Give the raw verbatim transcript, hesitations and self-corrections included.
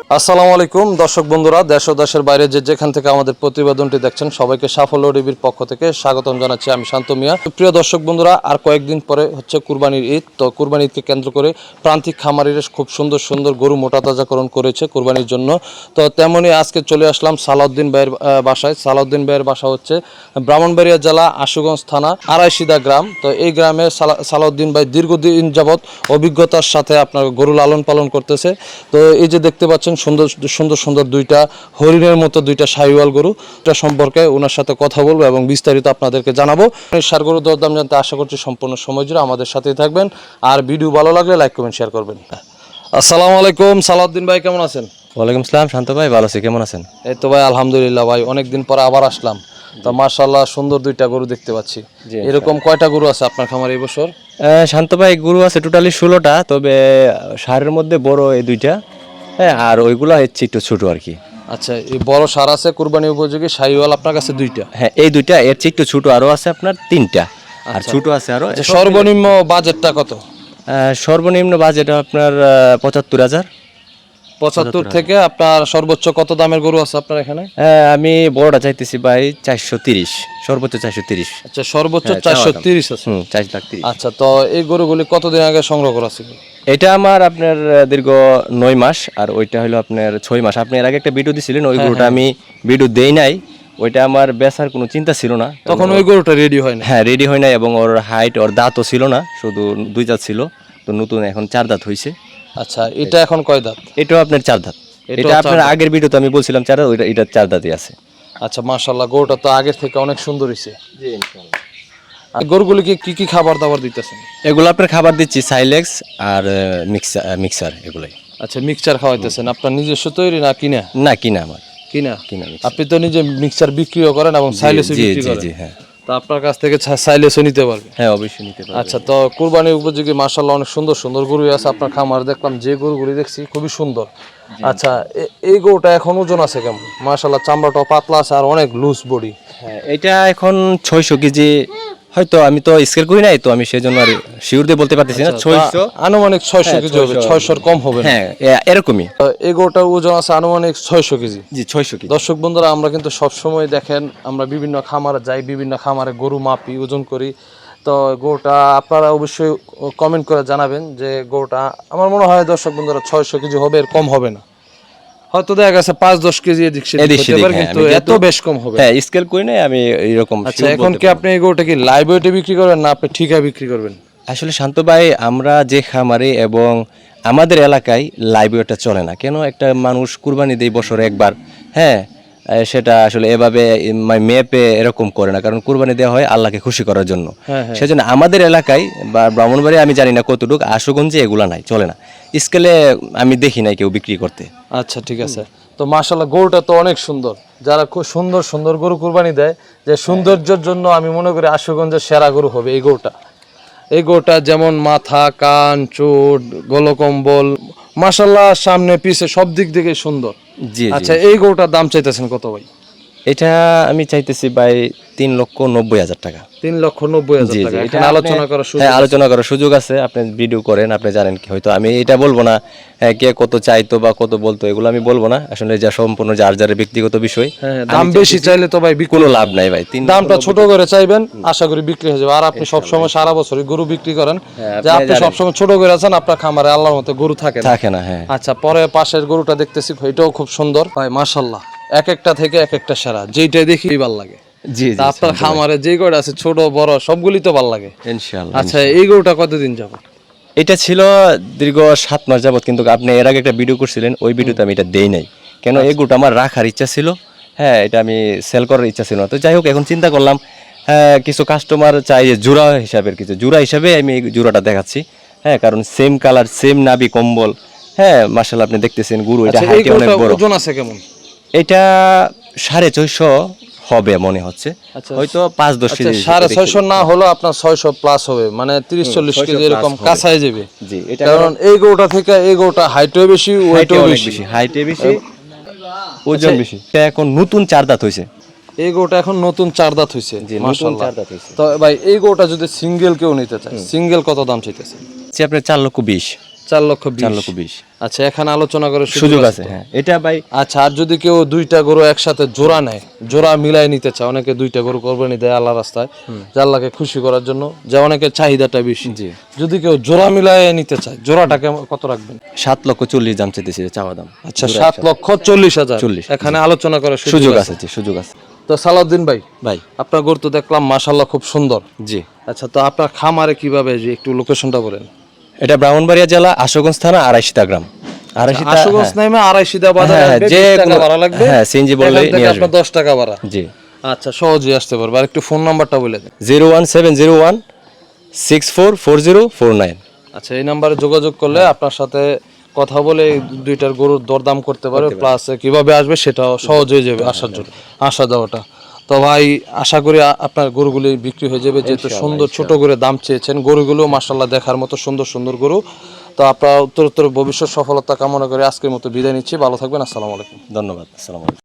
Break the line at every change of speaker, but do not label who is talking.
আসসালামু আলাইকুম দর্শক বন্ধুরা, দেশ ও দেশের বাইরে যে যেখান থেকে আমাদের প্রতিবেদনটি দেখছেন সবাইকে সাফল্য টিভির পক্ষ থেকে স্বাগতম জানাচ্ছি। আমি শান্ত মিয়া। প্রিয় দর্শক বন্ধুরা, আর কয়েকদিন পরে হচ্ছে কুরবানির ঈদ। তো কুরবানি ঈদকে কেন্দ্র করে প্রান্তিক খামারিরা খুব সুন্দর সুন্দর গরু মোটা তাজাকরণ করেছে কুরবানির জন্য। তো তেমনই আজকে চলে আসলাম সালাউদ্দিন ভাইয়ের বাসায়। সালাউদ্দিন ভাইয়ের বাসা হচ্ছে ব্রাহ্মণবাড়িয়া জেলা আশুগঞ্জ থানা আড়াইশিদা গ্রাম। তো এই গ্রামে সালাউদ্দিন ভাই দীর্ঘদিন যাবৎ অভিজ্ঞতার সাথে আপনার গরু লালন পালন করতেছে। তো এই যে দেখতে পাচ্ছেন সুন্দর সুন্দর সুন্দর দুইটা হরিণের মতো দুইটা শাহিওয়াল গরু, এটা সম্পর্কে ওনার সাথে কথা বলবো এবং বিস্তারিত আপনাদেরকে জানাবো। সার গরুর দরদাম জানতে আশা করছি সম্পূর্ণ সময় জুড়ে আমাদের সাথেই থাকবেন। আর ভিডিও ভালো লাগলে লাইক কমেন্ট শেয়ার করবেন। আসসালামু আলাইকুম সালাউদ্দিন ভাই, কেমন আছেন?
ওয়ালাইকুম আসসালাম শান্ত ভাই, ভালো আছি, কেমন আছেন?
এই তো ভাই আলহামদুলিল্লাহ ভাই, অনেকদিন পরে আবার আসলাম। তো মাশাআল্লাহ সুন্দর দুইটা গরু দেখতে পাচ্ছি। এরকম কয়টা গরু আছে আপনার খামারে এই বছর?
শান্ত ভাই, গরু আছে টোটালি ষোলোটা, তবে সারের মধ্যে বড় এই দুইটা, হ্যাঁ, আর ওইগুলো হচ্ছে একটু ছোট আর কি।
আচ্ছা, এই বড় সার আছে কুরবানি উপযোগী শাহিওয়াল আপনার কাছে দুইটা?
হ্যাঁ, এই দুইটা, এর চেয়ে একটু ছোট আরো আছে আপনার তিনটা, আর ছোট আছে আরো।
সর্বনিম্ন বাজেটটা কত?
সর্বনিম্ন বাজেট আপনার পঁচাত্তর হাজার।
পঁচাত্তর থেকে আপনার সর্বোচ্চ কত দামের গরু আছে আপনার এখানে?
আমি বড়টা চাইতেছি ভাই চারশো তিরিশ, সর্বোচ্চ চারশো তিরিশ।
আচ্ছা, সর্বোচ্চ চারশো তিরিশ আছে।
হুম, চার লাখ তিরিশ।
আচ্ছা, তো এই গরুগুলি কতদিন আগে সংগ্রহ করা ছিল?
এটা আমার আপনার দীর্ঘ নয় মাস, আর ওইটা হলো আপনার ছয় মাস। আপনি এর আগে একটা ভিডিও দিছিলেন, ওই গরুটা আমি ভিডিও দেই নাই, ওইটা আমার বেচার কোনো চিন্তা ছিল না
তখন। ওই গরুটা রেডি হয় না?
হ্যাঁ, রেডি হয় না, এবং ওর হাইট, ওর দাঁতও ছিল না, শুধু দুই দাঁত ছিল। তো নতুন এখন চার দাঁত হয়েছে।
আচ্ছা, এটা এখন কয় দাঁত?
এটাও আপনার চার দাঁত। এটা আপনার আগের ভিডিওতে আমি বলছিলাম চার দাঁত, ওইটা এটা চার দাঁতই আছে।
আচ্ছা, মাশাআল্লাহ, গরুটা তো আগের থেকে অনেক সুন্দর হয়েছে। জি ইনশাআল্লাহ। আর গরুগুলিকে কি কি খাবার দাবার দিতেছেন?
এগুলো আপনার খাবার দিচ্ছি সাইলেক্স আর মিক্সার মিক্সার এগুলাই।
আচ্ছা, মিক্সচার খাওয়াইতেছেন আপনার নিজস্ব তৈরি না কিনা?
না, কিনা আমার।
কিনা?
কিনা।
আপনি তো নিজে মিক্সচার বিক্রিও করেন এবং সাইলেসও বিক্রি করেন?
জি হ্যাঁ।
তো আপনার কাছ থেকে সাইলেসও নিতে পারবে?
হ্যাঁ, অবশ্যই নিতে পারবে।
আচ্ছা, তো কুরবানি উপযোগী মাশাআল্লাহ অনেক সুন্দর সুন্দর গরু আছে আপনার খামার। দেখলাম যে গরুগুলি দেখছি খুবই সুন্দর। আচ্ছা, এই গরুটা এখন ওজন আছে কেমন? মাশাআল্লাহ চামড়াটা পাতলা আছে আর অনেক লুজ বডি।
হ্যাঁ, এটা এখন ছয়শো কেজি হয়তো, আমি তো স্কেল করি নাই, তো আমি সেজন্য আর শিওর দিয়ে বলতে পারতেছি না। ছয়শো
আনুমানিক ছয়শো কেজি হবে, ছয়শোর কম হবে?
হ্যাঁ, এরকমই।
এই গরুটার ওজন আছে আনুমানিক ছয়শো কেজি।
জি, ছয়শো কেজি।
দর্শক বন্ধুরা, আমরা কিন্তু সবসময় দেখেন আমরা বিভিন্ন খামারে যাই, বিভিন্ন খামারে গরু মাপি, ওজন করি। তো গরুটা আপনারা অবশ্যই কমেন্ট করে জানাবেন যে গরুটা, আমার মনে হয় দর্শক বন্ধুরা ছয়শো কেজি হবে, এর কম হবে না। হয়তো দেখা গেছে পাঁচ দশ কেজি এদিক সেদিক হতে পারে, কিন্তু এত বেশ কম হবে।
হ্যাঁ, স্কেল করি নাই আমি এরকম।
আচ্ছা, এখন কি আপনি এই গরুটা কি লাইভ ওয়েটে বিক্রি করবেন না আপনি ঠিকা বিক্রি করবেন?
আসলে শান্ত ভাই, আমরা যে খামারে এবং আমাদের এলাকায় লাইভ ওয়েটটা চলে না। কেন? একটা মানুষ কুরবানি দেয় বছরে একবার, হ্যাঁ, সেটা আসলে এভাবে মেপে এরকম করে না, কারণ কুরবানি দেওয়া হয় আল্লাহকে খুশি করার জন্য। সেজন্য আমাদের এলাকায় বা ব্রাহ্মণবাড়ি, আমি জানি না কতটুকু, আশুগঞ্জে এগুলা নাই, চলে না, স্কেলে আমি দেখি নাই কেউ বিক্রি করতে।
আচ্ছা, ঠিক আছে। তো মাশাআল্লাহ গরুটা তো অনেক সুন্দর। যারা খুব সুন্দর সুন্দর গরু কুরবানি দেয়, যে সৌন্দর্যের জন্য আমি মনে করি আশুগঞ্জের সেরা গরু হবে এই গরুটা। এই গরুটা যেমন মাথা, কান, চোট, গলকম্বল, মাশাআল্লাহ সামনে পিছে সব দিক থেকে সুন্দর।
জি।
আচ্ছা, এই গরুটার দাম চাইতেছেন কত ভাই?
এটা আমি চাইতেছি ভাই তিন লক্ষ নব্বই হাজার টাকা।
তিন লক্ষ নব্বই হাজার টাকা। এখানে আলোচনা করার সুযোগ?
হ্যাঁ, আলোচনা করার সুযোগ আছে। আপনি ভিডিও করেন, আপনি জানেন কি, হয়তো আমি এটা বলবো না কে কত চাইতো বা কত বলতো, এগুলো আমি বলবো না। আসলে যা সম্পূর্ণ যার যার ব্যক্তিগত বিষয়।
দাম বেশি চাইলে তো ভাই
কোনো লাভ নাই ভাই।
দামটা ছোট করে চাইবেন, আশা করি বিক্রি হয়ে যাবে। আর আপনি সবসময় সারা বছরই গরু বিক্রি করেন, যে আপনি সবসময় ছোট করে আছেন, আপনার খামারে আল্লাহর মতো গরু থাকে
থাকে না। হ্যাঁ।
আচ্ছা, পরে পাশের গরুটা দেখতেছি, এটাও খুব সুন্দর ভাই মাশাআল্লাহ, এক একটা থেকে এক একটা সেরা, যেইটা দেখি ভালো লাগে।
জি জি।
আপনার খামারে যে গরু আছে ছোট বড় সবগুলি তো ভালো লাগে
ইনশাআল্লাহ।
আচ্ছা, এই গরুটা কতদিন যাবে?
এটা ছিল দীর্ঘ সাত মাস যাবত, কিন্তু আপনি এর আগে একটা ভিডিও করছিলেন, ওই ভিডিওতে আমি এটা দেই নাই। কেন? এই গরুটা আমার রাখার ইচ্ছা ছিল, হ্যাঁ, এটা আমি সেল করার ইচ্ছা ছিল না। তো যাই হোক, এখন চিন্তা করলাম হ্যাঁ, কিছু কাস্টমার চাই যে জোড়া হিসাবের, কিছু জোড়া হিসাবে আমি এই জোড়াটা দেখাচ্ছি। হ্যাঁ, কারণ সেম কালার, সেম নাভি কম্বল। হ্যাঁ, মাশাআল্লাহ, আপনি দেখতেছেন গরু, এটা হাইটে অনেক বড়।
ওজন আছে কেমন?
এটা সাড়ে ছয়শো হবে মনে হচ্ছে, হয়তো পাঁচ দশ কেজি।
সাড়ে ছয়শো না হলো আপনার ছয়শো প্লাস হবে, মানে তিরিশ চল্লিশ কেজি এরকম কাছাই যাবে।
জি,
কারণ এই গরুটা থেকে এই গরুটা হাইটও বেশি, ওয়েটও বেশি।
হাইটে বেশি, ওজন বেশি। এটা এখন নতুন চার দাঁত হয়েছে।
এই গরুটা এখন নতুন চার দাঁত হয়েছে। মাশাআল্লাহ। তো ভাই, এই গরুটা যদি সিঙ্গেল কেউ নিতে চায়, সিঙ্গেল কত দাম চাইতেছে?
আপনার চার লক্ষ বিশ।
চার লক্ষ বিশ
চার লক্ষ বিশ।
আচ্ছা, এখানে আলোচনা করে
সুযোগ আছে, হ্যাঁ এটা ভাই।
আচ্ছা, আর যদি কেউ দুইটা গরু একসাথে জোড়া নেয়, জোড়া মিলাই নিতে চায়, অনেকে দুইটা গরু কোরবানি দেয় আল্লাহ রাস্তায়, যে আল্লাহকে খুশি করার জন্য, যে অনেকের চাহিদাটা বেশি,
জি,
যদি কেউ জোড়া মিলাই নিতে চায়, জোড়াটা কেমন কত রাখবেন?
সাত লক্ষ চল্লিশ দাম চাইতেছি, চাওয়া দাম।
আচ্ছা, সাত লক্ষ চল্লিশ হাজার
চল্লিশ,
এখানে আলোচনা করার
সুযোগ আছে, জি সুযোগ আছে।
তো সালাউদ্দিন ভাই,
ভাই
আপনার গরু তো দেখলাম মাশাআল্লাহ খুব সুন্দর।
জি,
আচ্ছা, তো আপনার খামারে কিভাবে, যে একটু লোকেশনটা বলেন।
এটা ব্রাহ্মণবাড়িয়া জেলা আশুগঞ্জ থানা আড়াইশিতা গ্রাম। আড়াইশিতা,
আশুগঞ্জ নামে আড়াইশিদা বাজার
হ্যাঁ,
আসবে,
যে
বিশ টাকা
কোনো-
ভাড়া লাগবে।
হ্যাঁ, সিএনজি বললেই
এখান থেকে
নিয়ে আসবে।
আপনার দশ টাকা ভাড়া।
জি,
আচ্ছা, সহজেই আসতে পারবে। আর একটু ফোন নাম্বারটা বলে দেন।
Zero one seven zero one six four four zero four nine.
আচ্ছা, এই নাম্বারে যোগাযোগ করলে আপনার সাথে কথা বলে এই দুইটার গরুর দরদাম করতে পারবে, প্লাস কিভাবে আসবে সেটাও সহজ হয়ে যাবে আসার জন্য, আসা যাওয়াটা। তো ভাই, আশা করি আ- আপনার গরুগুলি বিক্রি হয়ে যাবে, যেহেতু সুন্দর ছোট করে দাম চেয়েছেন। গরুগুলো মাশাআল্লাহ দেখার মতো সুন্দর সুন্দর গরু। তো আপনার উত্তর উত্তর ভবিষ্যৎ সফলতা কামনা করে আজকের মতো বিদায় নিচ্ছি। ভালো থাকবেন। আসসালামু আলাইকুম।
ধন্যবাদ, আসসালামু আলাইকুম।